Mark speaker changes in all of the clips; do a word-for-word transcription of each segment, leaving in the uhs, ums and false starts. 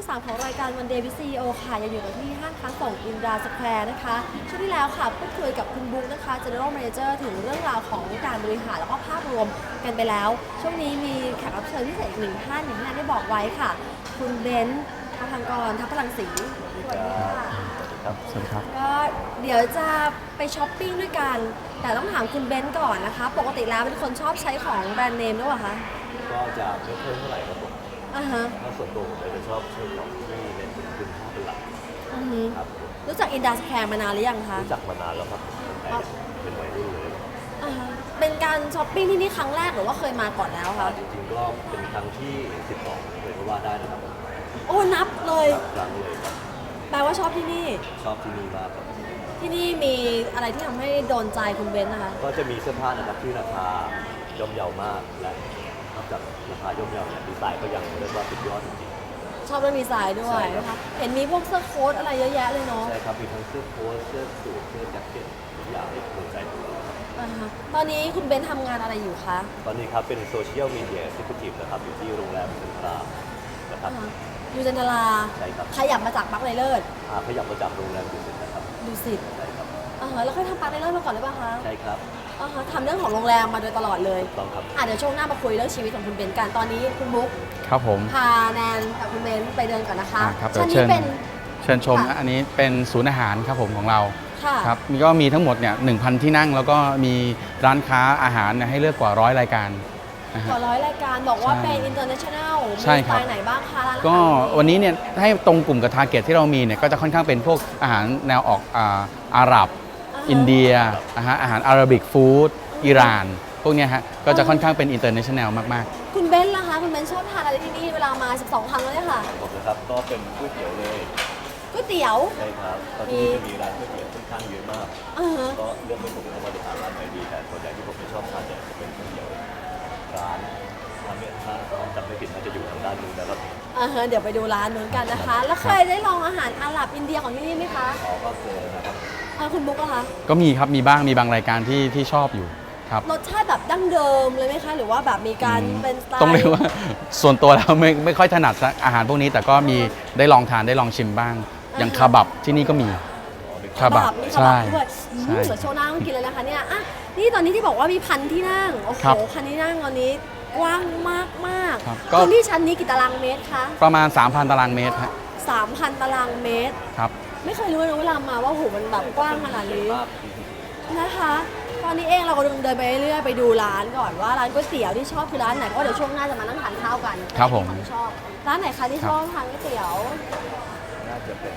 Speaker 1: ที่สามของรายการวันเดย์วิซีโอค่ะยังอยู่กันที่ห้างค้าส่งอินดาสแควร์นะคะช่วงที่แล้วค่ะพูดคุยกับคุณบุ๊กนะคะ General Manager ถึงเรื่องราวของการบริหารแล้วก็ภาพรวมกันไปแล้วช่วงนี้มีแขกรับเชิญพิเศษอีกหนึ่งท่านอย่างที่นันได้บอกไว้ค่ะคุณเบนซ์ทางกรทัพพลังศรีสวัสดีค่ะ
Speaker 2: ครับสวัสดีครับ
Speaker 1: ก็เดี๋ยวจะไปช้อปปิ้งด้วยกันแต่ต้องถามคุณเบนซ์ก่อนนะคะปกติแล้วเป็นคนชอบใช้ของแบรนด์เนมหรือเปล่าคะ
Speaker 3: ก็จะไม่ค่อยเท่าไหร่ครับผม
Speaker 1: อ่าฮะ
Speaker 3: ถ้าส่วนตัวผมจะชอบใช้ของที่เน้นคุณภาพเป็นหลัก
Speaker 1: อือฮึ
Speaker 3: ครับ
Speaker 1: รู้จักอินดัสแคร์มานานหรือยังคะ
Speaker 3: รู้จักมานานแล้วครับตั้งแต่เป็นวัยรุ่นเลย
Speaker 1: อ่าฮะเป็นการช้อปปิ้งที่นี่ครั้งแรกหรือว่าเคยมาก่อนแล้วคะ
Speaker 3: จริงๆก็เป็นครั้งที่สิบสองเลยก็ว่าได้นะครับ
Speaker 1: โอ้นับเลย
Speaker 3: ครั้งเลยครับ
Speaker 1: แปลว่าชอบที่นี่
Speaker 3: ชอบที่นี่มากครับ
Speaker 1: ที่นี่มีอะไรที่ทำให้โดนใจคุณเบนซ์นะคะ
Speaker 3: ก็จะมีเสื้อผ้านะครับที่ราคาย่อมเยาวมากและนอกจากราคาย่อมเยาเนี่ยดีไซน์ก็ยังเรียกว่าสุดยอดจริง
Speaker 1: ๆชอบเรื่องดีไซน์ด้วยนะคะเห็นมีพวกเสื้อโค้ทอะไรเยอะแยะเลยเนาะ
Speaker 3: ใช่ครับมีทั้งเสื้อโค้ทเสื้อสูทเสื้อแจ็คเก็ตทุกอย่างที่ถูกใจของเรา
Speaker 1: ตอนนี้คุณเบนซ์ทำงานอะไรอยู่คะ
Speaker 3: ตอนนี้ครับเป็นโซเชียลมีเดียซิคูทีฟนะครับอยู่ที่โรงแรมเซ็นทรัลนะครับ
Speaker 1: อยู่จันทรา
Speaker 3: ใช่ครับ
Speaker 1: ขยับมาจากปักไรเลิศ
Speaker 3: ขยับมาจากโรงแรมดูสิตนะครับ
Speaker 1: ดูสิต
Speaker 3: ใช่ครับ
Speaker 1: อ่าแล้วเคยทำปักไรเลิศมาก่อนหรือเปล่าคะ
Speaker 3: ใช่ครับ
Speaker 1: อ่าทำเรื่องของโรงแรมมาโดยตลอดเลย
Speaker 3: ต้องครับ
Speaker 1: อ่ะเดี๋ยวช่วงหน้ามาคุยเรื่องชีวิตของคุณเบนซ์กันตอนนี้คุณบุ๊ก
Speaker 2: ครับผม
Speaker 1: พาแนนกับคุณเบนซ์ไปเดินก่อนนะคะ
Speaker 2: ครับ
Speaker 1: ชั้นนี้เป็น
Speaker 2: เชิญชมนะอันนี้เป็นศูนย์อาหารครับผมของเรา
Speaker 1: ค่ะ
Speaker 2: ครับมีก็มีทั้งหมดเนี่ยหนึ่งพันที่นั่งแล้วก็มีร้านค้าอาหารให้เลือกกว่าร้อยรายการ
Speaker 1: กว่าร้อยรายการบอกว่าเป็น international มีสไตล์ไหนบ้างคะร้านอาหาร
Speaker 2: ก็วันนี้เนี่ยให้ตรงกลุ่มกับทาร์เก็ตที่เรามีเนี่ยก็จะค่อนข้างเป็นพวกอาหารแนวออกอาหรับอินเดียอาหารอาหารอาหรับิกฟู้ดอิหร่านพวกนี้ฮะก็จะค่อนข้างเป็น international มาก
Speaker 1: ๆคุณเบนซ์ล่ะคะคุณเบนซ์ชอบทานอะไรที่นี่เวลามาสิบสองครั้งแล้วเนี่ยค่ะ
Speaker 3: ผมนะครับก็เป็นก๋วยเตี๋ยวเลย
Speaker 1: ก๋วยเตี๋ยว
Speaker 3: ใช่ครับตอนนี้จะมีร้านก๋วยเตี๋ยวค่อนข้างเยอะมากก็เลือกไม่ถูกว่าจะทานร้านไหนดีแต่ส่วนใหญ่ที่ผมชอบทานเนี่ยจะเป็นก๋วยเตี๋ยวร้านร้านเนี่ยถ้าจำไม่ผิดน่าจะอยู่ทางด้านนู้นนะครับ
Speaker 1: อ่าฮะเดี๋ยวไปดูร้านนู้นกันนะคะแล้วเคยได้ลองอาหารอาหรับอินเดียของที่นี่ไหมคะ
Speaker 3: อ๋อก็เคยนะครับ
Speaker 1: คุณบุ๊กอะคะ
Speaker 2: ก็มีครับมีบ้างมีบางรายการที่ที่ชอบอยู่ครับ
Speaker 1: รสชาติแบบดั้งเดิมเลยไหมคะหรือว่าแบบมีการเป็นสไตล์
Speaker 2: ต้องเรียกว่าส่วนตัวแล้วไม่ไม่ค่อยถนัดอาหารพวกนี้แต่ก็มีได้ลองทานได้ลองชิมบ้างอย่างคาบับที่นี่ก็มี
Speaker 1: คาบับใช่ด้วยเดี๋ยวโชว์หน้าต้องกินเลยนะคะเนี่ยอ่ะนี่ตอนนี้ที่บอกว่ามีพันที่นั่งโอ้โหพันที่นั่งตอนนี้กว้างมากมากพื้นที่ชั้นนี้กี่ตารางเมตรคะ
Speaker 2: ประมาณ สามพัน ตารางเมตรครับ
Speaker 1: สามพัน ตารางเมตร
Speaker 2: ครับ
Speaker 1: ไม่เคยรู้เลยเวลามาว่าโหมันแบบกว้างขนาดนี้นะคะตอนนี้เองเราก็เดินไปเรื่อยๆไปดูร้านก่อนว่าร้านก๋วยเตี๋ยวที่ชอบคือร้านไหนเพราะเดี๋ยวช่วงหน้าจะมานั่งทานข้าวกัน
Speaker 2: ครับผม
Speaker 1: ที่ชอบร้านไหนคะที่ชอบทานก๋วยเตี๋ยว
Speaker 3: น่าจะเป็น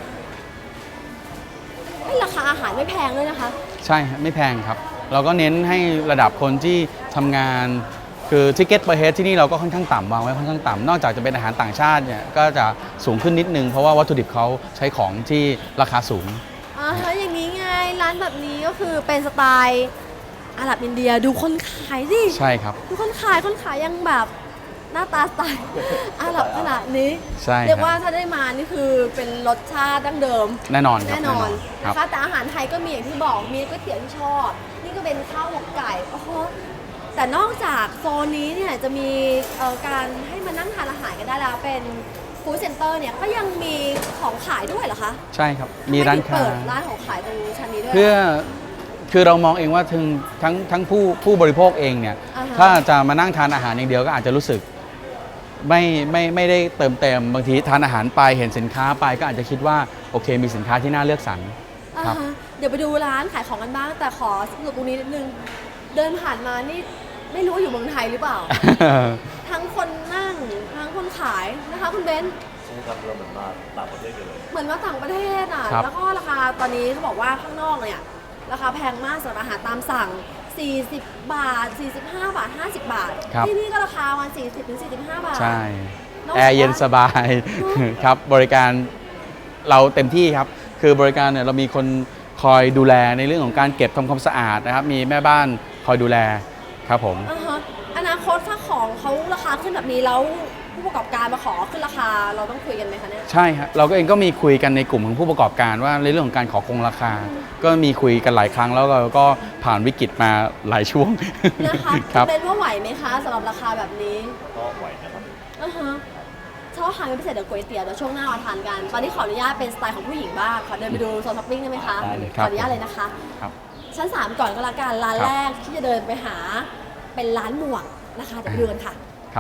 Speaker 1: ราคาอาหารไม่แพงด้วยนะคะ
Speaker 2: ใช่ไม่แพงครับเราก็เน้นให้ระดับคนที่ทำงานคือทิเก็ตเปอร์เฮดที่นี่เราก็ค่อนข้างต่ำวางไว้ค่อนข้างต่ำนอกจากจะเป็นอาหารต่างชาติเนี่ยก็จะสูงขึ้นนิดนึงเพราะว่าวัตถุดิบเขาใช้ของที่ราคาสูง
Speaker 1: อ่าฮะอย่างนี้ไงร้านแบบนี้ก็คือเป็นสไตล์อาหรับอินเดียดูคนขายสิ
Speaker 2: ใช่ครับ
Speaker 1: ดูคนขายคนขายยังแบบหน้าตาสไตล์อาหรับขนาดนี้
Speaker 2: ใช่
Speaker 1: เรียกว่าถ้าได้มานี่คือเป็นรสชาติดั้งเดิม
Speaker 2: แน่นอน
Speaker 1: แน่นอนนะคะแต่อาหารไทยก็มีอย่างที่บอกมีก๋วยเตี๋ยวที่ชอบนี่ก็เป็นข้าวหมกไก่โอ้โหแต่นอกจากโซนนี้เนี่ยจะมีการให้มานั่งทานอาหารกันได้แล้วเป็นฟู้ดเซ็นเตอร์เนี่ยก็ยังมีของขายด้วยเหรอคะ
Speaker 2: ใช่ครับมีร้านค้า
Speaker 1: เปิดร้านของขายตรงชั้นนี้ด้วย
Speaker 2: เพื่อคือเรามองเองว่าทั้งทั้งทั้งผู้ผู้บริโภคเองเนี่ยถ้าจะมานั่งทานอาหารอย่างเดียวก็อาจจะรู้สึกไม่ไม่ไม่ได้เติมเต็มบางทีทานอาหารไปเห็นสินค้าไปก็อาจจะคิดว่าโอเคมีสินค้าที่น่าเลือกสรร
Speaker 1: ครับเดี๋ยวไปดูร้านขายของกันบ้างแต่ขอสรุปตรงนี้นิดนึงเดินผ่านมานี่ไม่รู้ว่าอยู่เมืองไทยหรือเปล่า ทั้งคนนั่งทั้งคนขายนะคะคุณเบนซ์
Speaker 3: ใช่ครับเราเหมือนมาต่างประเทศกันเลย
Speaker 1: เหมือนว่าต่างประเทศอ่ะแล้วก็ราคาตอนนี้เขาบอกว่าข้างนอกเนี่ยราคาแพงมากสำหรับอาหารตามสั่งสี่สิบบาทสี่สิบห้าบาทห้าสิบบาทที่นี่ก็ราคาประมาณสี่สิบถึงสี่สิบห้าบาท
Speaker 2: ใช่แอร์เย็นสบายครับบริการเราเต็มที่ครับคือบริการเนี่ยเรามีคนคอยดูแลในเรื่องของการเก็บทำความสะอาดนะครับมีแม่บ้านคอยดูแลครับผม
Speaker 1: อนาคตถ้าของเขาราคาขึ้นแบบนี้แล้วผู้ประกอบการมาขอขึ้นราคาเราต้องคุยกันไหมคะเนี่ย
Speaker 2: ใช่ครับเราก็เองก็มีคุยกันในกลุ่มของผู้ประกอบการว่าในเรื่องของการขอคงราคาก็มีคุยกันหลายครั้งแล้วเราก็ผ่านวิกฤตมาหลายช่วง
Speaker 1: นะคะเป็นว่าไหวไหมคะสำหรับราคาแบบนี้
Speaker 3: ก็ไหวนะครับ
Speaker 1: อ่าฮะชอบทานเป็นพิเศษเดี๋ยวก๋วยเตี๋ยวเดี๋ยวช่วงหน้ามาทานกัน ตอนนี้ขออนุญาตเป็นสไตล์ของผู้หญิงบ้างขอเดินไปดูโซนช้อปปิ้งได้ไหมคะ
Speaker 3: ได้เลย
Speaker 1: ขออนุญาตเลยนะคะ
Speaker 2: ครับ
Speaker 1: ชั้นสามก่อนก็แล้วกันร้าน
Speaker 2: ครับ
Speaker 1: แรกที่จะเดินไปหาเป็นร้านหมวกนะคะเดี๋ยวไปดูกันค่ะ
Speaker 2: ครับ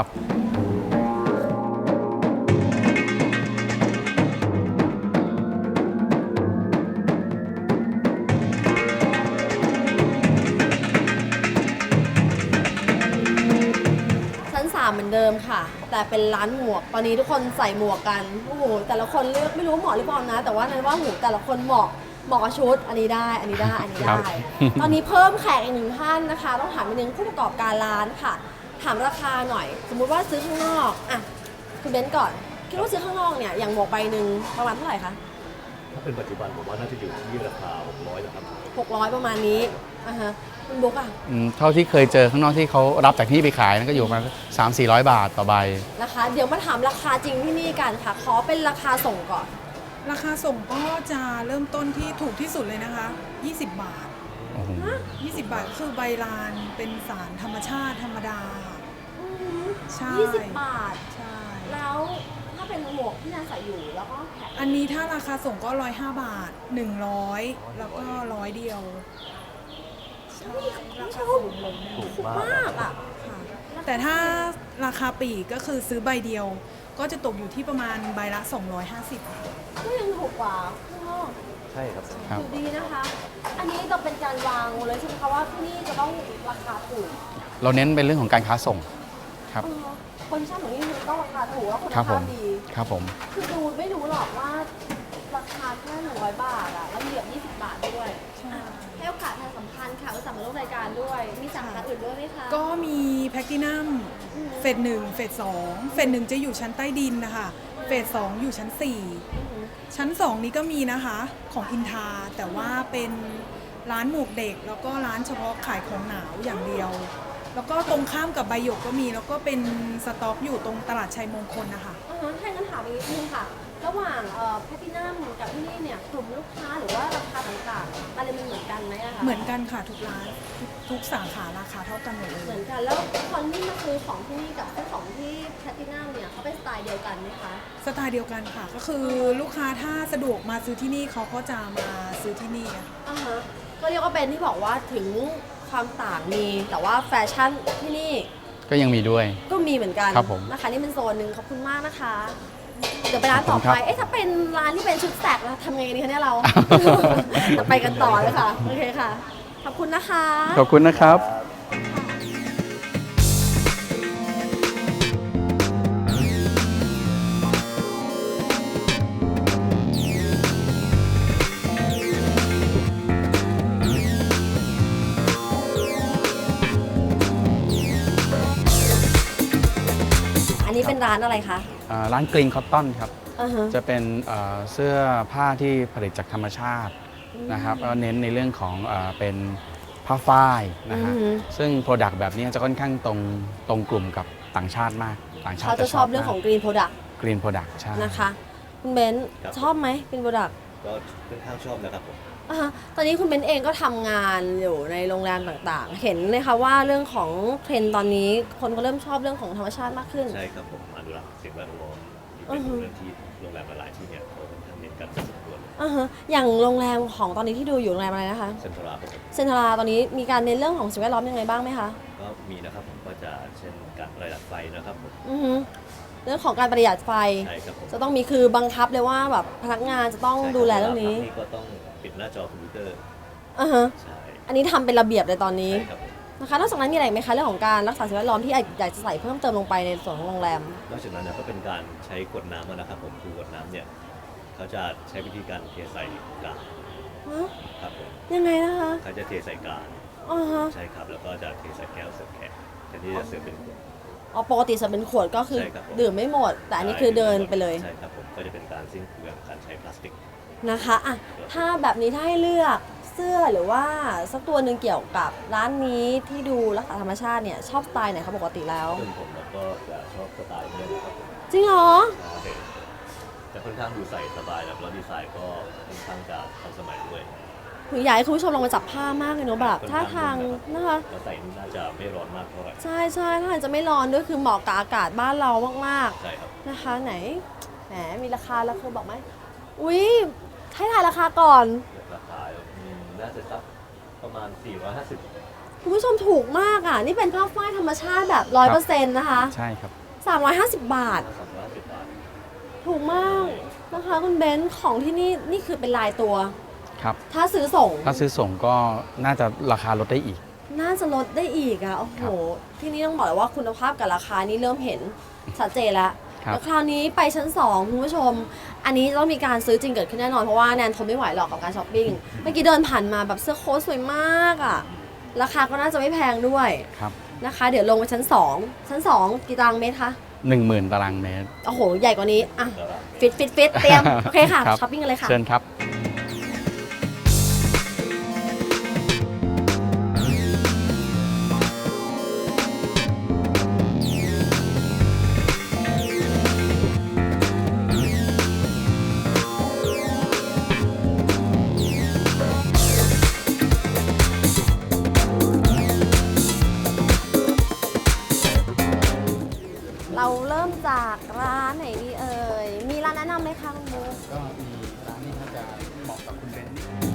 Speaker 1: ชั้นสามเหมือนเดิมค่ะ แต่เป็นร้านหมวก ตอนนี้ทุกคนใส่หมวกกัน โอ้โห แต่ละคนเลือกไม่รู้เหมาะหรือเปล่านะ แต่ว่านั้นว่าหูแต่ละคนเหมาะ เหมาะกับชุด อันนี้ได้ อันนี้ได้ อันนี้
Speaker 2: ครั
Speaker 1: ได้
Speaker 2: บ
Speaker 1: ตอนนี้เพิ่มแขกอีกหนึ่งท่านนะคะ ต้องถามนิดนึงผู้ประกอบการร้านค่ะ ถามราคาหน่อย สมมุติว่าซื้อข้างนอกอ่ะคุณเบนซ์ก่อน คิดว่าซื้อข้างนอกเนี่ย อย่างหมวกใบหนึ่งประมาณเท่าไหร่คะ
Speaker 3: ถ้าเป็นปัจจุบันผมว่าน่าจะอยู่ที่ราคาหกร้อยนะครับ
Speaker 1: หกร้อยประมาณนี้อ่ะฮะคุณบุ๊กอ่ะ
Speaker 2: อืมเท่าที่เคยเจอข้างนอกที่เขารับจากที่ไปขายนั่นก็อยู่ประมาณสามสี่ร้อยบาทต่อใบ
Speaker 1: นะคะ เดี๋ยวมาถามราคาจริงที่นี่กันค่ะ ขอเป็นราคาส่งก่อน
Speaker 4: ราคาส่งก็จะเริ่มต้นที่ถูกที่สุดเลยนะคะ ยี่สิบ บาท
Speaker 2: โอ้โห
Speaker 4: ยี่สิบ บาทคือใบลานเป็นสารธรรมชาติธรรมดา
Speaker 1: อือหือ
Speaker 4: ใช่
Speaker 1: ยี่สิบบาท
Speaker 4: ใช่
Speaker 1: แล้วถ้าเป็นหมวกที่นางใส่อยู่แล้วก็แขก
Speaker 4: อันนี้ถ้าราคาส่งก็ร้อยห้าบาทหนึ่งร้อยแล้วก็ร้อยเดียวใช่ราคาส่งลง
Speaker 3: ถูก
Speaker 1: ถูก
Speaker 3: มาก
Speaker 1: มากอ่ะ
Speaker 4: ค่ะแต่ถ้าราคาปลีกก็คือซื้อใบเดียว ก็จะตกอยู่ที่ประมาณใบละ สองร้อยห้าสิบ
Speaker 1: ก็ยังถูกกว่าข้างนอก
Speaker 3: ใช่ครับ
Speaker 2: ครับ
Speaker 1: อยู่ดีนะคะ อันนี้จะเป็นการวางเลยใช่ไหมคะว่าที่นี่จะต้องราคาถูก
Speaker 2: เราเน้นเป็นเรื่องของการค้าส่งครับ
Speaker 1: เออคนที่ชอบของนี่คือต้องราคาถูกแล้วคุณ
Speaker 2: ครับผ
Speaker 1: ภาพ
Speaker 2: ม
Speaker 1: ดี
Speaker 2: ครับผม
Speaker 1: คือดูไม่รู้หรอกว่าราคาแค่หนึ่งร้อยบาทอะแล้วเหลือยี่สิบบาทด้วย
Speaker 4: ใช่
Speaker 1: ให้โอกาสทางสัมพันธ์ค่ะอุตส่าห์มาร่วมรายการด้วย มีสาขาอื่นด้วยไหมคะ
Speaker 4: ก็มีแพลตินัมเฟสหนึ่งเฟสสองเฟสหนึ่งจะอยู่ชั้นใต้ดินนะคะเฟสสองอยู่ชั้นสี่
Speaker 1: อือหือ
Speaker 4: ชั้นสองนี้ก็มีนะคะของอินทาแต่ว่าเป็นร้านหมวกเด็ก แล้วก็ร้านเฉพาะขายของหนาวอย่างเดียว แล้วก็ตรงข้ามกับใบหยกก็มี แล้วก็เป็นสต็อกอยู่ตรงตลาดชัยมงคลนะคะ
Speaker 1: อ่าฮะถ้างั้นถามอีกนิดนึงค่ะ ระหว่างเอ่อแพทินัมกับที่นี่เนี่ยกลุ่มลูกค้าหรือว่าราคาต่างๆอะไรมันเหมือนกันไหมอะคะ
Speaker 4: เหมือนกันค่ะทุกร้านทุกทุกสาขาราคาเท่ากันหมดเล
Speaker 1: เหมื
Speaker 4: ย
Speaker 1: อนกัน แล้วคนที่มาซื้อของที่นี่กับซื้อของที่แพทินัมเนี่ยเขาเป็นสไตล์เดียวกันไหมคะ
Speaker 4: สไตล์เดียวกันค่ะ ก็คือลูกค้าถ้าสะดวกมาซื้อที่นี่เขาก็จะมาซื้อที่นี่อะ
Speaker 1: อ่าฮะ ก็เรียกว่าเป็นที่บอกว่าถึงความต่างมี แต่ว่าแฟชั่นที่นี่
Speaker 2: ก็ยังมีด้วย
Speaker 1: ก็มีเหมือนกัน
Speaker 2: ครับผม
Speaker 1: นะคะนี่เป็นโซนหนึ่งขอบคุณมากนะคะ เดี๋ยวไปร้านต่อ
Speaker 2: ขอบคุณครั
Speaker 1: ไป
Speaker 2: บ
Speaker 1: เอ๊ะถ้าเป็นร้านที่เป็นชุดแสกเราทำไงดีคะเนี่ยเรา จะไปกันต่อเลยค่ะ โอเคค่ะ ขอบคุณนะคะ
Speaker 2: ขอบคุณนะครับ
Speaker 1: อันนี้เป็นร้านอะไรคะ
Speaker 2: อ่าร้านกรีนคอตตอนครับ
Speaker 1: อ่าฮะ
Speaker 2: จะเป็นเอ่อเสื้อผ้าที่ผลิตจากธรรมชาตินะครับแล้วเน้นในเรื่องของเอ่อเป็นผ้าฝ้ายนะฮะ
Speaker 1: อือหือ
Speaker 2: ซึ่งโปรดักต์แบบนี้จะค่อนข้างตรงตรงกลุ่มกับต่างชาติมาก ต่างชาติ
Speaker 1: เขาจะชอบเรื่องของ Green Product
Speaker 2: กรีนโปรดักต์ใช่
Speaker 1: นะคะ คุณเบนซ์
Speaker 3: ครับ
Speaker 1: ชอบไหม Green Product
Speaker 3: ก็ค่อนข้างชอบนะครับผม
Speaker 1: อ่าฮะตอนนี้คุณเบนซ์เองก็ทำงานอยู่ในโรงแรมต่างๆ เห็นไหมคะว่าเรื่องของเทรนด์ตอนนี้คนก็เริ่มชอบเรื่องของธรรมชาติมากขึ้น
Speaker 3: ใช่ครับผมอนุรักษ์สิ่งแวดล้อมนี่เป็นเรื่องที่โรงแรมหลายๆที่เนี่ยเขาค่อนข้างเน้นกันพอสมควร
Speaker 1: อ่าฮะอย่างโรงแรมของตอนนี้ที่ดูอยู่โรงแรมอะไรนะคะ
Speaker 3: เซ็นทรัลครับผม
Speaker 1: เซนทราตอนนี้มีการเน้นเรื่องของสิ่งแวดล้อมยังไงบ้างไหมคะ
Speaker 3: ก็มีนะครับผมก็จะเช่นการประหยัดไฟนะครับผม
Speaker 1: อือฮึเรื่องของการประหยัดไฟ
Speaker 3: ใช่ครับผม
Speaker 1: จะต้องมีคือบังคับเลยว่าแบบพนักงานจะต้องดูแลเรื่องนี้
Speaker 3: ใช่คบนี่ก็ต้องปิดหน้าจอคอมพิวเตอร์
Speaker 1: อ่าฮะ
Speaker 3: ใช่
Speaker 1: อันนี้ทำเป็นระเบียบเลยตอนนี้
Speaker 3: ใช่ครับผม
Speaker 1: นะคะนอกจากนั้นมีอะไรอีกไหมคะเรื่องของการรักษาสิ่งแวดล้อมที่อยากจะใส่เพิ่มเติมลงไปในส่วนของโรงแรม
Speaker 3: นอกจากนั้นเนี่ยก็เป็นการใช้ขวดน้ำนะครับผมคือกวดน้ำเนี่ยเขาจะใช้วิธีการเทใส่กา
Speaker 1: ฮะ
Speaker 3: ครับผม
Speaker 1: ยังไงนะคะ
Speaker 3: เขาจะเทใส่กา
Speaker 1: อ๋อฮะ
Speaker 3: ใช่ครับแล้วก็จะเทใส่แก้วเสิร์ฟแขกแทนที่จะเสิร์ฟเป็นขวด
Speaker 1: อ๋อปกติจะเป็นขวดก็คือ
Speaker 3: ใช่ครับผม
Speaker 1: ดื่มไม่หมด แต่อันนี้คือเดินไปเลย
Speaker 3: ใช่ครับผมก็จะเป็นการสิ้นเปลืองการใช้พลาสติก
Speaker 1: นะคะอ่ะถ้าแบบนี้ถ้าให้เลือกเสื้อหรือว่าสักตัวหนึ่งเกี่ยวกับร้านนี้ที่ดูรักษาธรรมชาติเนี่ยชอบสไตล์ไหนคะปกติแล้ว
Speaker 3: ซึ่งผมแล้วก็จะชอบสไตล์เนี่ยนะครับผม
Speaker 1: จริงเหรอ
Speaker 3: ใช่จะค่อนข้างดูใส่สบายแล้วแล้วดีไซน์ก็ค่อนข้างจะทันสมัยด้วย
Speaker 1: คืออยากให้คุณผู้ชมลองมาจับผ้ามากเลยเนาะแบบท่าทางนะคะ
Speaker 3: แล้วใส่นี่น่าจะไม่ร้อนมากเท่าไหร่
Speaker 1: ใช่ใช่ถ้าทางจะไม่ร้อนด้วยคือเหมาะกับอากาศบ้านเรามาก
Speaker 3: ใช่ครับ
Speaker 1: ๆนะคะไหนแหมมีราคาแล้วคือบอกไหมอุ้ยให้ทายราคาก่อน
Speaker 3: ราคาอืมน่าจะสักประมาณ สี่ร้อยห้าสิบ
Speaker 1: คุณผู้ชมถูกมากอ่ะ นี่เป็นผ้าฝ้ายธรรมชาติแบบร้อยเปอร์เซ็นต์นะคะ
Speaker 2: ใช่ครับ
Speaker 1: สามร้อยห้าสิบบาท
Speaker 3: สองร้อยห้าสิบบาท
Speaker 1: ถูกมากนะคะคุณเบนซ์ของที่นี่นี่คือเป็นลายตัว
Speaker 2: ครับ
Speaker 1: ถ้าซื้อส่ง
Speaker 2: ถ้าซื้อส่งก็น่าจะราคาลดได้อีก
Speaker 1: น่าจะลดได้อีกอ่ะ โอ้โห
Speaker 2: ครับ
Speaker 1: ที่นี่ต้องบอกเลยว่าคุณภาพกับราคานี่เริ่มเห็นชัดเจนแล้ว
Speaker 2: ครับ
Speaker 1: แล้วคราวนี้ไปชั้นสองคุณผู้ชม อันนี้ต้องมีการซื้อจริงเกิดขึ้นแน่นอน เพราะว่าแนนทนไม่ไหวหรอกกับการช้อปปิ้ง เมื่อกี้เดินผ่านมาแบบเสื้อโค้ทสวยมากอ่ะ ราคาก็น่าจะไม่แพงด้วย
Speaker 2: ครับ
Speaker 1: นะคะ เดี๋ยวลงไปชั้นสองชั้นสองกี่ตารางเมตรคะ
Speaker 2: หนึ่งหมื่นตารางเมตร
Speaker 1: โอ้โห ใหญ่กว่านี้ อ่ะ
Speaker 3: แล้วก็
Speaker 1: ฟิตฟิตฟิตเตรียม โอเคค่ะ
Speaker 2: ครับ
Speaker 1: ช้อปปิ้งกันเลยค่ะ
Speaker 2: เชิญครับ
Speaker 1: เราเริ่มจากร้านไหนดีเอ่ย มีร้านแนะนำไหมคะคุณบุ๊ค
Speaker 2: ก็มีร้านนี้น่าจะเหมาะกับคุณเบนซ์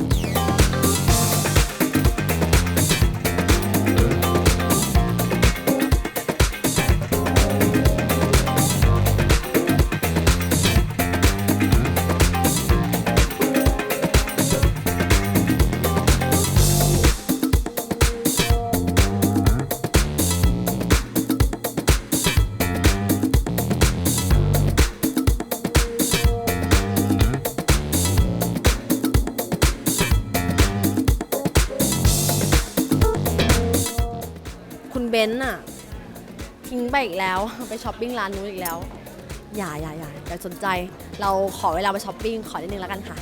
Speaker 1: คุณเบนซ์อะทิ้งไปอีกแล้ว ไปช้อปปิ้งร้านนู้นอีกแล้ว อย่าอย่าอย่าอย่าสนใจ เราขอเวลาไปช้อปปิ้งขอนิดนึงแล้วกันค่ะ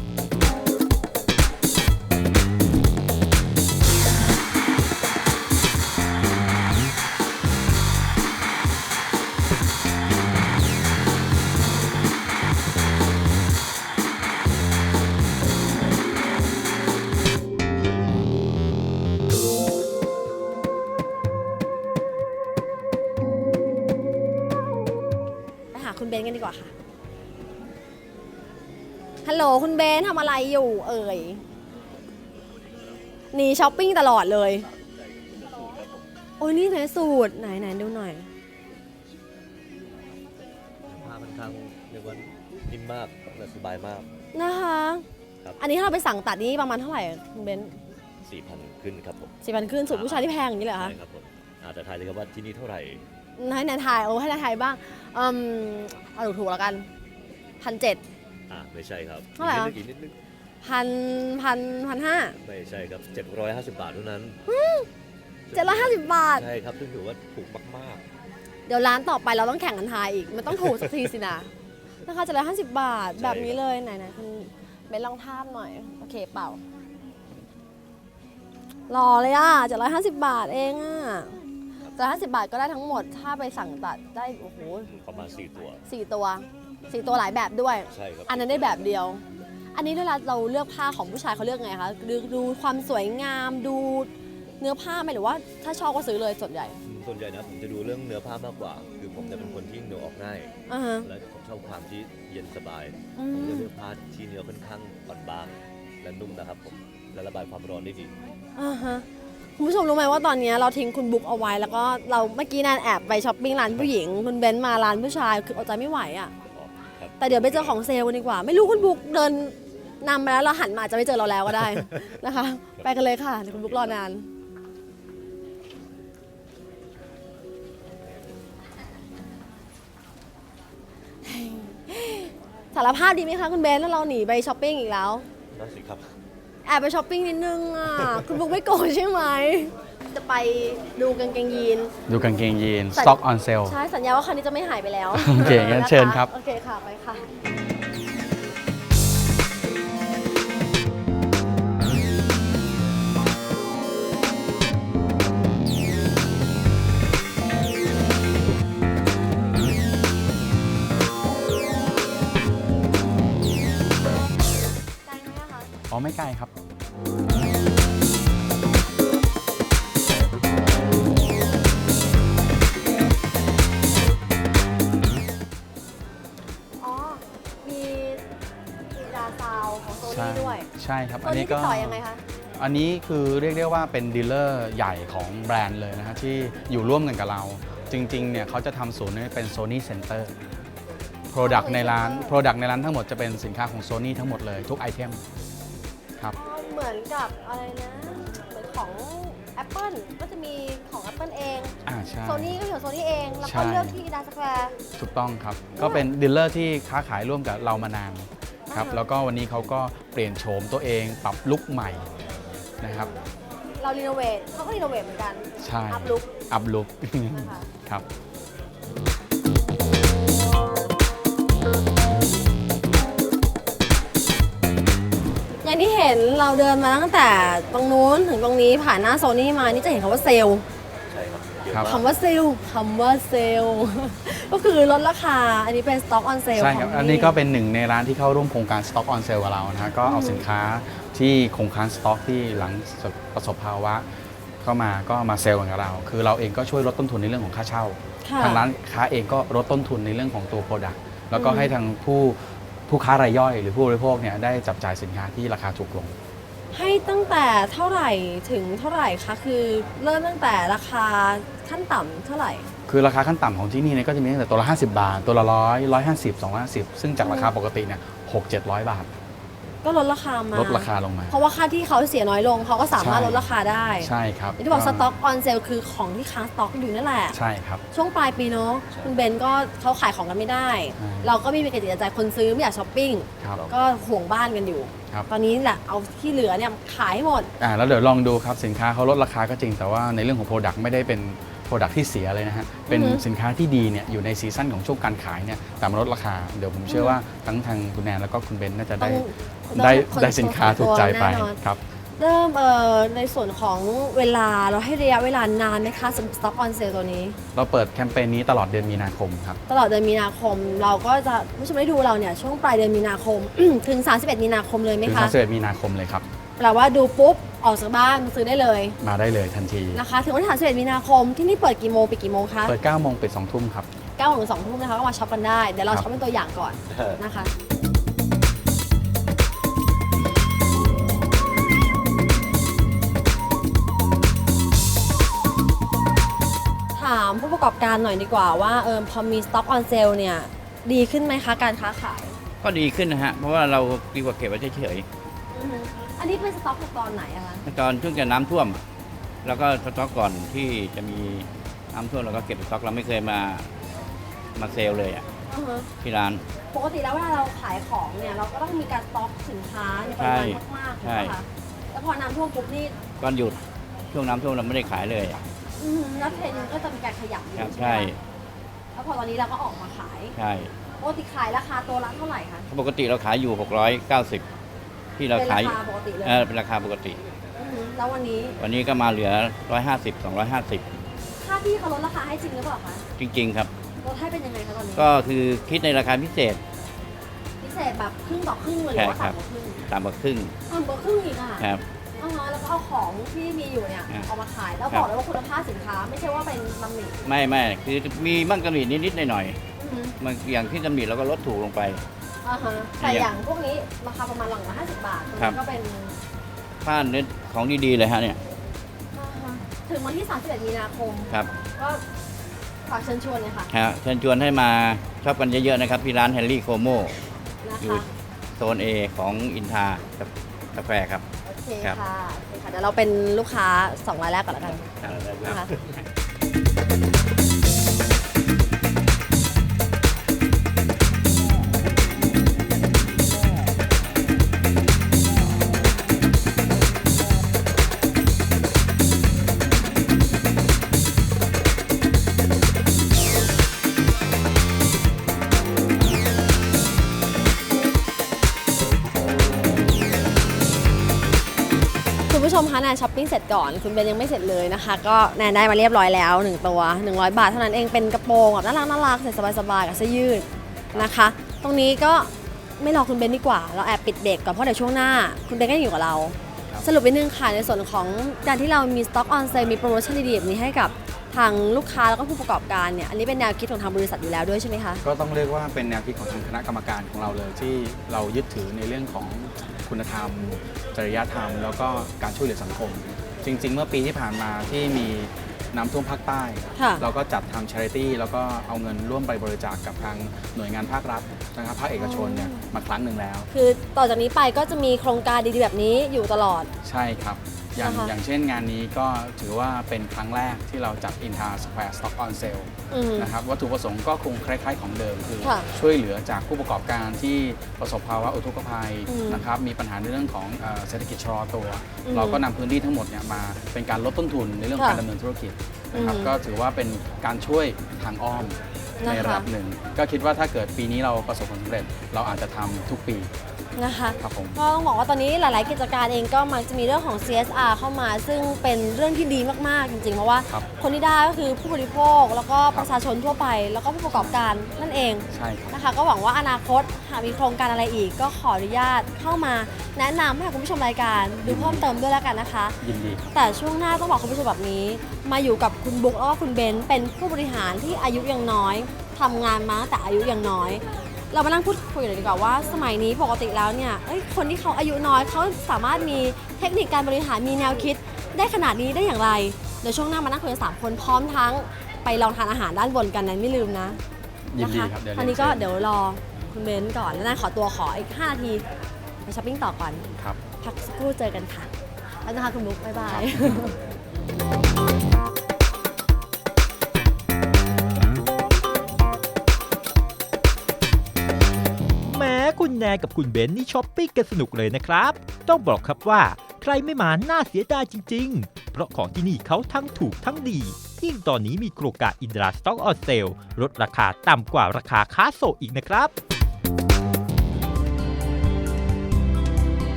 Speaker 1: ไปหาคุณเบนซ์กันดีกว่าค่ะ ฮัลโหลคุณเบนซ์ทำอะไรอยู่เอ่ยหนีช้อปปิ้งตลอดเลย โอ้ยนี่ไหนสูตรไหนไหนดูหน่อย
Speaker 3: ผ้าค่อนข้างเรียกว่านิ่มมากและสบายมาก
Speaker 1: นะคะ
Speaker 3: ครับ
Speaker 1: อันนี้ถ้าเราไปสั่งตัดนี่ประมาณเท่าไหร่คุณเบนซ์
Speaker 3: สี่พันขึ้นครับผม
Speaker 1: สี่พันขึ้นสูตรผู้ชายที่แพงอย่างนี้เหรอคะ
Speaker 3: ใช่ครับผมอาจจะทายเลยครับว่าที่นี่เท่าไหร่
Speaker 1: ให้นายทายโอ้ให้นายทายบ้างอืมเอาถูกๆแล้วกันพันเจ็ด
Speaker 3: อ่าไม่ใช่ครับ
Speaker 1: เท่าไหร่อะ
Speaker 3: อีกนิดนึงอีกนิดนึง
Speaker 1: พันพันพันห้า
Speaker 3: ไม่ใช่ครับเจ็ดร้อยห้าสิบบาทเท่านั้น
Speaker 1: เจ็ดร้อยห้าสิบบาท
Speaker 3: ใช่ครับซึ่งถือว่าถูกมาก
Speaker 1: เดี๋ยวร้านต่อไปเราต้องแข่งกันทายอีก มันต้องถูกสักทีสินะ นะคะเจ็ดร้อยห้าสิบบาท แบบนี้เลยไหนๆคุณเบนลองทาบหน่อย โอเคเปล่าหล่อเลยอ่ะเจ็ดร้อยห้าสิบบาทเองอ่ะเจ็ดร้อยห้าสิบบาทก็ได้ทั้งหมด ถ้าไปสั่งตัดได้โอ้โห
Speaker 3: ๆประมาณสี่ตัว
Speaker 1: สี่ตัวสี่ตัวหลายแบบด้วย
Speaker 3: ใช่ครับ
Speaker 1: อันนั้นได้แบบเดียว อันนี้เวลาเราเลือกผ้าของผู้ชายเขาเลือกไงคะดูดูความสวยงามดูเนื้อผ้าไหมหรือว่าถ้าชอบก็ซื้อเลยส่วนใหญ่
Speaker 3: อืมส่วนใหญ่นะผมจะดูเรื่องเนื้อผ้ามากกว่า คือผมจะเป็นคนที่เหงื่อออกง่าย
Speaker 1: อ่าฮะ
Speaker 3: และผมชอบความที่เย็นสบาย
Speaker 1: อื
Speaker 3: ผมจะ
Speaker 1: ม
Speaker 3: เลือกผ้าที่เนื้อค่อนข้างอ่อนบางและนุ่มนะครับผมและระบายความร้อนได้ดี
Speaker 1: อ่าฮะคุณผู้ชมรู้ไหมว่าตอนนี้เราทิ้งคุณบุ๊กเอาไว้แล้วก็เราเมื่อกี้นานแอบไปช้อปปิ้งร้านผู้หญิงคุณเบนซ์มาร้านผู้ชายคือเอาใจไม่ไหวอ่ะ
Speaker 3: ครับ
Speaker 1: แต่เดี๋ยวไปเจอของเซลล์กันดีกว่า ไม่รู้คุณบุ๊กเดินนำไปแล้วเราหันมาอาจจะไม่เจอเราแล้วก็ได้ นะคะ ไปกันเลยค่ะเดี๋ยวคุณบุ๊กรอนานสารภาพดีไหมคะคุณเบนซ์แล้วเราหนีไปช้อปปิ้งอีกแล้ว
Speaker 3: นั่นสิครับ
Speaker 1: แอบไปช้อปปิ้งนิดนึงอ่ะ คุณบุ๊กไม่โกรธใช่ไหม จะไปดูกางเกงยีน
Speaker 2: ดูกางเกงยีน
Speaker 1: ใส่
Speaker 2: Stock on sale
Speaker 1: ใช่ สัญญาว่าคราวนี้จะไม่หายไปแล้ว
Speaker 2: โอเคงั้นเชิญครับ
Speaker 1: โอเคค่ะ ไปค่ะ ไกลไหมอะคะ
Speaker 2: อ๋อไม่ไกลครับ
Speaker 1: อ๋อ มีอีดาซาวของโซ
Speaker 2: ใช่
Speaker 1: นี่ด้วย
Speaker 2: ใช่ครับ
Speaker 1: โซ
Speaker 2: อัน
Speaker 1: นี่
Speaker 2: นี้
Speaker 1: ติ
Speaker 2: ก็
Speaker 1: ดต่อยังไงคะ
Speaker 2: อันนี้คือเรียกได้ว่าเป็นดีลเลอร์ใหญ่ของแบรนด์เลยนะฮะที่อยู่ร่วมกันกับเรา จริงๆเนี่ยเขาจะทำศูนย์นี้เป็น Sony Center Product ในร้าน Product ในร้านทั้งหมดจะเป็นสินค้าของ Sony ทั้งหมดเลยทุกไอเทมครับ
Speaker 1: อ๋อ เหมือนกับอะไรนะ เหมือนของ Apple ก็จะมีของ Apple เอง
Speaker 2: อ่าใช่
Speaker 1: โซนี่ก็อยู่โซนี่เอง แล้ว
Speaker 2: ใช่
Speaker 1: ก็เลือกที่อีดาสแควร์
Speaker 2: ถูกต้องครับ ก็เป็นดีลเลอร์ที่ค้าขายร่วมกับเรามานานครับ
Speaker 1: อ่าฮะ
Speaker 2: แล้วก็วันนี้เขาก็เปลี่ยนโฉมตัวเองปรับลุคใหม่นะครับ
Speaker 1: เรารีโนเวทเขาก็รีโนเวทเหมือนกัน
Speaker 2: ใช่
Speaker 1: อัพลุค
Speaker 2: อัพลุค
Speaker 1: นะคะ
Speaker 2: ครับ
Speaker 1: อย่างที่เห็นเราเดินมาตั้งแต่ตรงนู้นถึงตรงนี้ผ่านหน้าโซนี่มา นี่จะเห็นคำว่าเซลล์
Speaker 3: ใช่ครับเยอะ
Speaker 2: ครับ
Speaker 3: มาก
Speaker 1: คำว่าเซลล์คำว่าเซลล์ ก็คือลดราคา อันนี้เป็น Stock on Sale
Speaker 2: ใช่ครับ
Speaker 1: ขง
Speaker 2: อันนี้ก็เป็นหนึ่งในร้านที่เข้าร่วมโครงการ Stock on Sale กับเรานะฮะก็เอาสินค้าที่คงค้างสต็อกที่หลังประสบภาวะเข้ามาก็มาเซลล์กับเรา คือเราเองก็ช่วยลดต้นทุนในเรื่องของค่าเช่า
Speaker 1: ค่ะ
Speaker 2: ทางร้านค้าเองก็ลดต้นทุนในเรื่องของตัว Product แล้วก็
Speaker 1: อืม
Speaker 2: ให้ทางผู้ผู้ค้ารายย่อย หรือผู้บริโภคเนี่ยได้จับจ่ายสินค้าที่ราคาถูกลง
Speaker 1: ให้ตั้งแต่เท่าไหร่ถึงเท่าไหร่คะ คือเริ่มตั้งแต่ราคาขั้นต่ำเท่าไหร่
Speaker 2: คือราคาขั้นต่ำของที่นี่เนี่ยก็จะมีตั้งแต่ตัวละ ห้าสิบบาท ตัวละร้อยร้อยห้าสิบสองร้อยห้าสิบซึ่งจากราคาปกติเนี่ยหกเจ็ดร้อยบาท
Speaker 1: ก็ลดราคามา
Speaker 2: ลดราคาลงมา
Speaker 1: เพราะว่าค่าที่เขาเสียน้อยลงเขาก็สามารถ
Speaker 2: ใช่
Speaker 1: ลดราคาได้
Speaker 2: ใช่ครับ
Speaker 1: อย่างที่บอกสต็อกออนเซลคือของที่ค้างสต็อกอยู่นั่นแหละ
Speaker 2: ใช่ครับ
Speaker 1: ช่วงปลายปีเนาะคุณเบนก็เขาขายของกันไม่ได้
Speaker 2: ใช่
Speaker 1: เราก็ไมมีกระจิตกระใจคนซื้อไม่อยากช้อปปิ้ง
Speaker 2: ครับ
Speaker 1: ก็ห่วงบ้านกันอยู่
Speaker 2: ครับ
Speaker 1: ตอนนี้แหละเอาที่เหลือเนี่ยขายให้หมด
Speaker 2: อ่าแล้วเดี๋ยวลองดูครับสินค้าเขาลดราคาก็จริงแต่ว่าในเรื่องของ Product ไม่ได้เป็น Product ที่เสียเลยนะฮะเป็น
Speaker 1: อือฮึ
Speaker 2: สินค้าที่ดีเนี่ยอยู่ในซีซั่นของช่วงการขายเนี่ยแต่มาลดราคาเดี๋ยวผมเชื่อว่าทั้งทางคุณแนนแล้วก็คุณเบนน่าจะได้
Speaker 1: ต้อง
Speaker 2: ได้
Speaker 1: ต้อง
Speaker 2: ได้สินค้าถูกใจไป
Speaker 1: แน่นอน
Speaker 2: ครับ
Speaker 1: เริ่มเอ่อในส่วนของเวลาเราให้ระยะเวลานานไหมคะสำหรับ Stock on Sale ตัวนี้
Speaker 2: เราเปิดแคมเปญนี้ตลอดเดือนมีนาคมครับ
Speaker 1: ตลอดเดือนมีนาคม เราก็จะผู้ชมได้ดูเราเนี่ยช่วงปลายเดือนมีนาคม ถึง สามสิบเอ็ด มีนาคมเลยไหม
Speaker 2: ถึง
Speaker 1: คะ
Speaker 2: สามสิบเอ็ดมีนาคมเลยครับ
Speaker 1: แปลว่าดูปุ๊บ ออกจากบ้านมาซื้อได้เลย
Speaker 2: มาได้เลยทันที
Speaker 1: นะคะ ถึงวันที่สามสิบเอ็ดมีนาคมที่นี่เปิดกี่โมงไปดกี่โมงคะ
Speaker 2: เปิดเก้าโมงปิดสองทุ่มครับ
Speaker 1: เก้าโมงถึงสองทุ่มนะคะก็มาช็อปกันได้ เดี๋ยวเรา
Speaker 2: ครับ
Speaker 1: ช็อปเป็นตัวอย่างก่อนนะคะ ถามผู้ประกอบการหน่อยดีกว่าว่าเออพอมี Stock on Sale เนี่ยดีขึ้นไหมคะการค้าขาย
Speaker 5: ก็ดีขึ้นนะฮะ เพราะว่าเราดีกว่าเก็บไว้เฉย
Speaker 1: อือฮึอันนี้เป็นสต็อกจากตอนไหนอะคะ
Speaker 5: ๆตอนช่วงจะน้ำท่วม แล้วก็สต็อกก่อนที่จะมีน้ำท่วมเราก็เก็บสต็อกเราไม่เคยมามาเซลล์เลยอะ
Speaker 1: อือฮึ
Speaker 5: ที่ร้าน
Speaker 1: ปกติแล้วเวลาเราขายของเนี่ยเราก็ต้องมีการสต็อกสินค้าในปริมาณมากๆ
Speaker 5: ใช่
Speaker 1: ถูกไหมคะแล้วพอน้ำท่วมปุ๊บนี่
Speaker 5: ก่อนหยุดช่วงน้ำท่วมเราไม่ได้ขายเลยอะ
Speaker 1: อือฮึแล้วเทรนด์ก็จะมีการขยับอยู่
Speaker 5: ครับ
Speaker 1: ใช่ไหม
Speaker 5: ใช่
Speaker 1: คะแล้วพอตอนนี้เราก็ออกมาขาย
Speaker 5: ใช่
Speaker 1: ปกติขายราคาตัวละเท่าไหร่คะ
Speaker 5: ปกติเราขายอยู่หกร้อยเก้าสิบที่เรา
Speaker 1: เป็น
Speaker 5: ขาย
Speaker 1: ราคาปกติเลย
Speaker 5: เออเป็นราคาปกติ
Speaker 1: อือฮึแล้ววันนี้
Speaker 5: วันนี้ก็มาเหลือหนึ่งร้อยห้าสิบ สองร้อยห้าสิบ
Speaker 1: ค่าที่เขาลดราคาให้จริงหรือเปล่าคะ
Speaker 5: จริง ๆ ครับ
Speaker 1: ลดให้เป็นยังไงคะตอนนี้
Speaker 5: ก็คือคิดในราคาพิเศษ
Speaker 1: พิเศษแบบครึ่งต่อครึ่งเลยหรือว่า
Speaker 5: ใช่ครั
Speaker 1: ต่ำ
Speaker 5: บ
Speaker 1: กว่าครึ่ง
Speaker 5: ต่ำกว่าครึ่ง
Speaker 1: ต่ำกว่าครึ่งอีกอะ
Speaker 5: ครับ
Speaker 1: อ๋อแล้วก็เอาของที่มีอยู่เนี่ย
Speaker 5: ครับ
Speaker 1: เอามาขายแล้ว
Speaker 5: ครับ
Speaker 1: บอกเลยว่าคุณภาพสินค้าไม่ใช่ว่าเป็นตำหนิ
Speaker 5: ไม่ไม่คือมีบ้างกำหนดนิดๆหน่อย
Speaker 1: อือฮึ
Speaker 5: ๆมันอย่างที่กำหนดเราก็ลดถูกลงไป
Speaker 1: อ่าฮะแต่อย่างพวกนี้ราคาประมาณหลังละห้าสิบบาทตรง
Speaker 5: ครั
Speaker 1: นี้
Speaker 5: บ
Speaker 1: ก็เป็น
Speaker 5: ผ้าเนื้อของดีๆเลยฮะเนี่ย
Speaker 1: อ่าฮะถึงวันที่สามสิบเอ็ดมีนาคม
Speaker 5: ครับ
Speaker 1: ก็ฝากเชิญชวนเลยค่ะ
Speaker 5: ฮะเชิญชวนให้มาชอบกันเยอะๆนะครับที่ร้านแฮร์รี่โคโม
Speaker 1: นะ
Speaker 5: อยู่
Speaker 1: คะ
Speaker 5: โซน A ของอินทากาแฟครับ
Speaker 1: โอเค
Speaker 5: ครับ
Speaker 1: ค่ะโอเคค่ะเดี๋ยวเราเป็นลูกค้าสองรายแรกก่อนแล้วกันนะคะ คุณผู้ชมคะแนนช้อปปิ้งเสร็จก่อนคุณเบนยังไม่เสร็จเลยนะคะ ก็แนนได้มาเรียบร้อยแล้วหนึ่งตัวหนึ่งร้อยบาทเท่านั้นเองเป็นกระโปรงแบบน่ารักน่ารักใส่สบายๆกับเสื้อยืดนะคะ ตรงนี้ก็ไม่รอคุณเบนดีกว่า เราแอบปิดเบรกก่อนเพราะเดี๋ยวช่วงหน้า คุณเบนก็ยังอยู่กับเราสรุปนิดนึงค่ะในส่วนของการที่เรามี Stock on Sale มีโปรโมชั่นดีๆแบบนี้ให้กับทางลูกค้าแล้วก็ผู้ประกอบการเนี่ยอันนี้เป็นแนวคิดของทางบริษัทอยู่แล้วด้วยใช่ไหมคะ
Speaker 2: ก็ต้องเรียกว่าเป็นแนวคิดของทางคณะกรรมการของเราเลยที่เรายึดถือในเรื่องของคุณธรรม จริยธรรม แล้วก็การช่วยเหลือสังคม จริง ๆ เมื่อปีที่ผ่านมาที่มีน้ำท่วมภาคใต้
Speaker 1: ค่ะ
Speaker 2: เราก็จัดทำ charity แล้วก็เอาเงินร่วมไปบริจาคกับทางหน่วยงานภาครัฐนะครับภาคเอกชนเนี่ยมาครั้งหนึ่งแล้ว
Speaker 1: คือต่อจากนี้ไปก็จะมีโครงการดีๆแบบนี้อยู่ตลอด
Speaker 2: ใช่ครับ อย่าง
Speaker 1: นะคะ
Speaker 2: อย่างเช่นงานนี้ก็ถือว่าเป็นครั้งแรกที่เราจัด Inter Square Stock on Sale
Speaker 1: อืม
Speaker 2: นะครับวัตถุประสงค์ก็คงคล้ายๆของเดิมคือ
Speaker 1: ค่ะ
Speaker 2: ช่วยเหลือจากผู้ประกอบการที่ประสบภาวะอุทกภัย
Speaker 1: อืม
Speaker 2: นะครับมีปัญหาในเรื่องของเอ่อเศรษฐกิจชะลอตัว
Speaker 1: อืม
Speaker 2: เราก็นำพื้นที่ทั้งหมดเนี่ยมาเป็นการลดต้นทุนในเรื่องของ
Speaker 1: ค่ะ
Speaker 2: การดำเนินธุรกิจนะครับ
Speaker 1: อืม
Speaker 2: ก็ถือว่าเป็นการช่วยทางอ้อม
Speaker 1: นะคะ
Speaker 2: ในระดับหนึ่ง ก็คิดว่าถ้าเกิดปีนี้เราประสบความสำเร็จ เราอาจจะทำทุกปี
Speaker 1: นะคะ
Speaker 2: ครับผม
Speaker 1: ก็ต้องบอกว่าตอนนี้หลาย ๆ กิจการเองก็มักจะมีเรื่องของ ซี เอส อาร์ เข้ามา ซึ่งเป็นเรื่องที่ดีมาก ๆ จริง ๆ เพราะว่า
Speaker 2: ครับ
Speaker 1: คนที่ได้ก็คือผู้บริโภค แล้วก็ประชาชนทั่วไป แล้วก็ผู้ประกอบการนั่นเอง
Speaker 2: ใช่ครับ
Speaker 1: นะคะ ก็หวังว่าอนาคตหากมีโครงการอะไรอีก ก็ขออนุญาตเข้ามาแนะนำให้กับคุณผู้ชมรายการดูเพิ่มเติมด้วยแล้วกันนะคะ
Speaker 2: ยินดี
Speaker 1: แต่ช่วงหน้าต้องบอกคุณผู้ชมแบบนี้ มาอยู่กับคุณบุ๊กแล้วก็คุณเบนซ์เป็นผู้บริหารที่อายุยังน้อยทำงานมาตั้งแต่อายุยังน้อย เรามานั่งพูดคุยกันเลยดีกว่าว่าสมัยนี้ปกติแล้วเนี่ยเอ้ยคนที่เขาอายุน้อยเขาสามารถมีเทคนิคการบริหารมีแนวคิดได้ขนาดนี้ได้อย่างไรเดี๋ยวช่วงหน้ามานั่งคุยกันสามคนพร้อมทั้งไปลองทานอาหารด้านบนกันนั้นไม่ลืมนะ
Speaker 2: ยินดี
Speaker 1: นะคะ
Speaker 2: ครับเดี๋ยว
Speaker 1: ตอนนี้ก็
Speaker 2: เรียนเชิญ
Speaker 1: เดี๋ยวรอคุณเบนซ์ก่อนแล้วนั่นขอตัวขออีกห้านาทีไปช้อปปิ้งต่อก่อน
Speaker 2: ครับ
Speaker 1: พักสักครู่เจอกันค่ะแล้วนะคะคุณบุ๊กบ๊ายบาย
Speaker 6: แม้คุณแนนกับคุณเบนนี่ช้อปปิ้งกันสนุกเลยนะครับ ต้องบอกครับว่าใครไม่มาน่าเสียดายจริงๆ เพราะของที่นี่เขาทั้งถูกทั้งดี ยิ่งตอนนี้มีโครงการอินดราสต็อกออนเซลลดราคาต่ำกว่าราคาค้าส่งอีกนะครับ